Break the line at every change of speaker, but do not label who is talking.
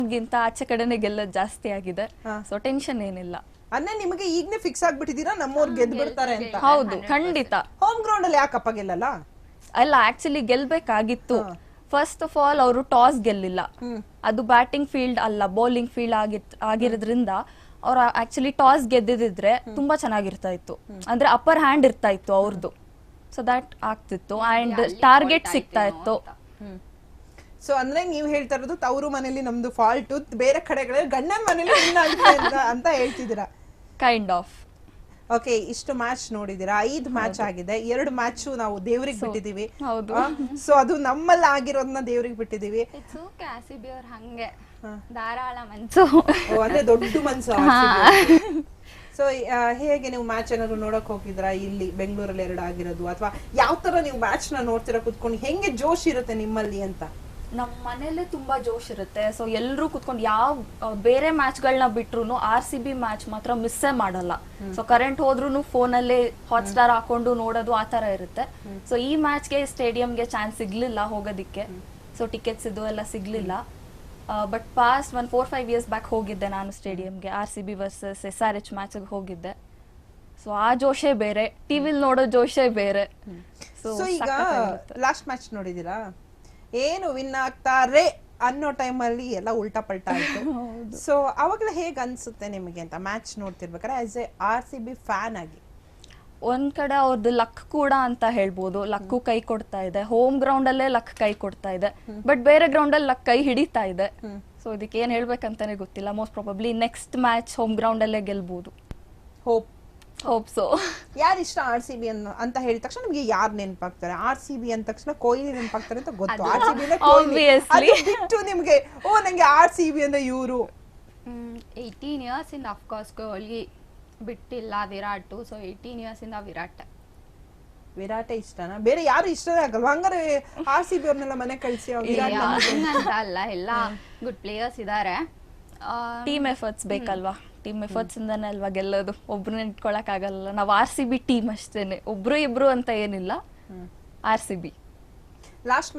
ಗಿಂತ ಆಚೆ ಕಡೆನೆ ಗೆಲ್ಲೋದು ಜಾಸ್ತಿ ಆಗಿದೆ, ಸೊ ಟೆನ್ಷನ್ ಏನಿಲ್ಲ.
ಅಂದ್ರೆ ನಿಮಗೆ ಈಗನೇ ಫಿಕ್ಸ್ ಆಗ್ಬಿಟ್ಟಿದೀರಾ ನಮ್ಮವ್ರು ಗೆದ್ದು ಬಿಡ್ತಾರೆ ಅಂತ?
ಹೌದು, ಖಂಡಿತ.
ಹೋಮ್ ಗ್ರೌಂಡ್ ಅಲ್ಲಿ ಯಾಕಪ್ಪ ಗೆಲ್ಲಲ್ಲ?
ಅಲ್ಲ, ಆಕ್ಚುಲಿ ಗೆಲ್ಬೇಕಾಗಿತ್ತು. ಫಸ್ಟ್ ಆಫ್ ಆಲ್ ಅವರು ಟಾಸ್ ಗೆಲ್ಲಿಲ್ಲ, ಅದು ಬ್ಯಾಟಿಂಗ್ ಫೀಲ್ಡ್ ಅಲ್ಲ ಬೌಲಿಂಗ್ ಫೀಲ್ಡ್ ಆಗಿರೋದ್ರಿಂದ ಅವ್ರು ಆಕ್ಚುಲಿ ಟಾಸ್ ಗೆದ್ದಿದ್ರೆ ತುಂಬಾ ಚೆನ್ನಾಗಿರ್ತಾ ಇತ್ತು, ಅಂದ್ರೆ ಅಪ್ಪರ್ ಹ್ಯಾಂಡ್ ಇರ್ತಾ ಇತ್ತು ಅವ್ರದ್ದು, ಸೊ ದಟ್ ಆಗ್ತಿತ್ತು ಅಂಡ್ ಟಾರ್ಗೆಟ್ ಸಿಗ್ತಾ ಇತ್ತು.
ಸೊ ಅಂದ್ರೆ ನೀವ್ ಹೇಳ್ತಾ ಇರೋದು ತವರು ಮನೇಲಿ ನಮ್ದು ಫಾಲ್ಟ್, ಬೇರೆ ಕಡೆಗಳಲ್ಲಿ ಗಂಡನ ಮನೇಲಿ ಅಂತ ಹೇಳ್ತಿದ್ದೀರಾ?
Kind of.
ಓಕೆ, ಇಷ್ಟು ಮ್ಯಾಚ್ ನೋಡಿದೀರಾ, 5 ಮ್ಯಾಚ್ ಆಗಿದೆ, 2 ಮ್ಯಾಚ್ ನಾವು ದೇವ್ರಿಗೆ ಬಿಟ್ಟಿದೀವಿ. ಸೊ ಅದು ನಮ್ಮಲ್ಲಿ ಆಗಿರೋದನ್ನ ದೇವ್ರಿಗೆ ಬಿಟ್ಟಿದೀವಿ.
ಹಂಗೆ ಧಾರಾಳ ಮನ್ಸು,
ಅಂದ್ರೆ ದೊಡ್ಡ ಮನ್ಸು. ಸೊ ಹೇಗೆ ನೀವು ಮ್ಯಾಚ್ ಏನಾದ್ರು ನೋಡಕ್ ಹೋಗಿದ್ರಾ? ಇಲ್ಲಿ ಬೆಂಗಳೂರಲ್ಲಿ 2 ಆಗಿರೋದು, ಅಥವಾ ಯಾವ ತರ ನೀವು ಮ್ಯಾಚ್ ನ ನೋಡ್ತೀರಾ ಕುತ್ಕೊಂಡು? ಹೆಂಗೆ ಜೋಶ್ ಇರುತ್ತೆ ನಿಮ್ಮಲ್ಲಿ ಅಂತ?
ನಮ್ಮ ಮನೇಲೆ ತುಂಬಾ ಜೋಶ್ ಇರುತ್ತೆ, ಸೊ ಎಲ್ಲರೂ ಕುತ್ಕೊಂಡು ಯಾವ ಬೇರೆ ಮ್ಯಾಚ್ ಗಳನ್ನ ಬಿಟ್ರು RCB ಮ್ಯಾಚ್ ಮಾತ್ರ ಮಿಸ್ಸೇ ಮಾಡಲ್ಲ. ಸೊ ಕರೆಂಟ್ ಹೋದ್ರು ಫೋನಲ್ಲಿ ಹಾಟ್ಸ್ಟಾರ್ ಹಾಕೊಂಡು ನೋಡೋದು ಆ ತರ ಇರುತ್ತೆ. ಸೊ ಈ ಮ್ಯಾಚ್ಗೆ ಸ್ಟೇಡಿಯಂಗೆ ಚಾನ್ಸ್ ಸಿಗ್ಲಿಲ್ಲ ಹೋಗೋದಿಕ್ಕೆ, ಸೊ ಟಿಕೆಟ್ಸ್ ಇದು ಎಲ್ಲ ಸಿಗ್ಲಿಲ್ಲ. ಬಟ್ ಪಾಸ್ಟ್ 4-5 ಇಯರ್ಸ್ ಬ್ಯಾಕ್ ಹೋಗಿದ್ದೆ ನಾನು ಸ್ಟೇಡಿಯಂಗೆ, RCB ವರ್ಸಸ್ SRH ಮ್ಯಾಚ್ ಹೋಗಿದ್ದೆ. ಸೊ ಆ ಜೋಶೇ ಬೇರೆ, ಟಿವಿಲ್ ನೋಡೋ ಜೋಶೇ ಬೇರೆ.
ಸೊ ಈಗ ಲಾಸ್ಟ್ ಮ್ಯಾಚ್ ನೋಡಿದೀರಾ? ಏನು ವಿನ್ ಆಗ್ತಾರೆ ಅನ್ನೋ ಟೈಮಲ್ಲಿ ಎಲ್ಲ ಉಲ್ಟಾ ಪಲ್ಟಾ ಆಯ್ತು. ಸೊ ಅವಾಗಲೇ ಹೇಗ್ ಅನ್ಸುತ್ತೆ ನಿಮಗೆ ಅಂತ ಮ್ಯಾಚ್ ನೋಡ್ತಿರ್ಬೇಕಾದ್ರೆ ಆಸ್ ಎ RCB ಫ್ಯಾನ್ ಆಗಿ?
ಒಂದ್ ಕಡೆ ಅವ್ರದ್ದು ಲಕ್ ಕೂಡ ಅಂತ ಹೇಳ್ಬೋದು, ಲಕ್ಕು ಕೈ ಕೊಡ್ತಾ ಇದೆ, ಹೋಮ್ ಗ್ರೌಂಡ್ ಅಲ್ಲೇ ಲಕ್ ಕೈ ಕೊಡ್ತಾ ಇದೆ, ಬಟ್ ಬೇರೆ ಗ್ರೌಂಡ್ ಅಲ್ಲಿ ಲಕ್ ಕೈ ಹಿಡಿತಾ ಇದೆ. ಸೊ ಇದಕ್ಕೆ ಏನ್ ಹೇಳ್ಬೇಕಂತಾನೆ ಗೊತ್ತಿಲ್ಲ. Most probably next match home ground ಅಲ್ಲೇ ಗೆಲ್ಬಹುದು. Hope so.
ಯಾರು ಇಷ್ಟ RCB ಅಂತ ಹೇಳಿದ ತಕ್ಷಣ ನಿಮ್ಗೆ ಯಾರು ನೆನಪಾಗ್ತಾರೆ? RCB ಅಂದ ತಕ್ಷಣ ಕೊಹ್ಲಿ ನೆನಪಾಗ್ತಾರೆ ಅಂತ ಗೊತ್ತು, RCB ಬಿಟ್ಟು ನಿಮ್ಗೆ ಓ ನಂಗೆ RCB ಅಂದ್ರೆ ಇವರು
18 ಇಯರ್ಸ್ ಇಂದ ಅಫ್ಕೋರ್ಸ್ ಕೊಹ್ಲಿ ಬಿಟ್ಟಿಲ್ಲ, ವಿರಾಟ್. ಸೊ 18 ಇಯರ್ಸ್ ಇಂದ ವಿರಾಟೇ ಇಷ್ಟನಾ? ಬೇರೆ ಯಾರು ಇಷ್ಟನೇ ಆಗಲ್ವಾ? ಹಂಗಾರೆ RCB ಅವ್ರನ್ನೆಲ್ಲ ಮನೆ ಕಳಿಸಿ ಅಂತ ಅಲ್ಲ, ಎಲ್ಲ ಗುಡ್ ಪ್ಲೇಯರ್ಸ್ ಇದಾರೆ.
ಟೀಮ್ ಎಫರ್ಟ್ಸ್ ಬೇಕಲ್ವಾ? ಟೀಮ್ ಎಫರ್ಟ್ಸ್ ಇಂದಾನೆ ಅಲ್ವಾ ಗೆಲ್ಲೋದು, ಒಬ್ರನ್ನ ಇಟ್ಕೊಳಕ್ ಆಗಲ್ಲ. ನಾವು RCB ಟೀಮ್ ಅಷ್ಟೇನೆ, ಒಬ್ರು ಇಬ್ರು ಅಂತ ಏನಿಲ್ಲ, RCB.
ಲಾಸ್ಟ್